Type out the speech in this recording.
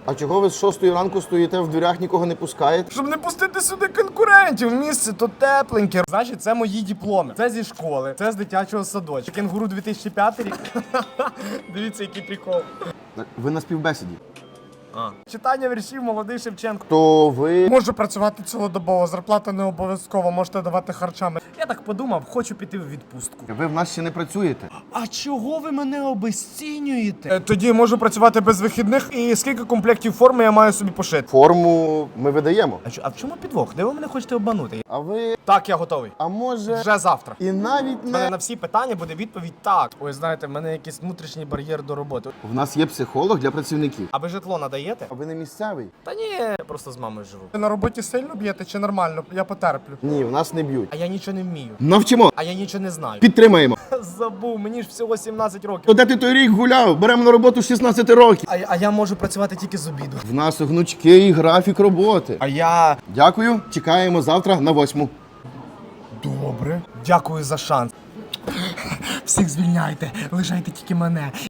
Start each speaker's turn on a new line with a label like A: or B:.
A: А чого ви з 6 ранку стоїте в дверях, нікого не пускаєте?
B: Щоб не пустити сюди конкурентів. Місце то тепленьке. Значить, це мої дипломи. Це зі школи, це з дитячого садочка. Кенгуру 2005 рік. Дивіться, який прикол.
A: Ви на співбесіді.
B: Читання віршів молодий Шевченко.
A: То ви...
B: Можу працювати цілодобово, зарплата не обов'язково, можете давати харчами. Я так подумав, хочу піти в відпустку.
A: Ви в нас ще не працюєте.
B: А чого ви мене обезцінюєте? Тоді можу працювати без вихідних. І скільки комплектів форми я маю собі пошити?
A: Форму ми видаємо.
B: А в чому підвох? Де ви мене хочете обманути?
A: А ви...
B: Так, я готовий.
A: А може...
B: Вже завтра.
A: І навіть
B: У мене
A: не...
B: на всі питання буде відповідь так. Ой, знаєте, в мене якийсь внутрішній бар'єр до роботи.
A: В нас є психолог для працівників.
B: А ви житло надаєте?
A: А ви не місцевий?
B: Та ні, я просто з мамою живу. Ви на роботі сильно б'єте чи нормально? Я потерплю.
A: Ні, в нас не б'ють.
B: А я нічого не вмію.
A: Навчимо.
B: А я нічого не знаю.
A: Підтримаємо.
B: Забув, мені ж всього 17 років.
A: То де ти той рік гуляв? Беремо на роботу з 16 років.
B: А я можу працювати тільки з обіду.
A: В нас гнучкий графік роботи.
B: А я...
A: Дякую, чекаємо завтра на 8.
B: Добре. Дякую за шанс. Всіх звільняйте, лишайте тільки мене.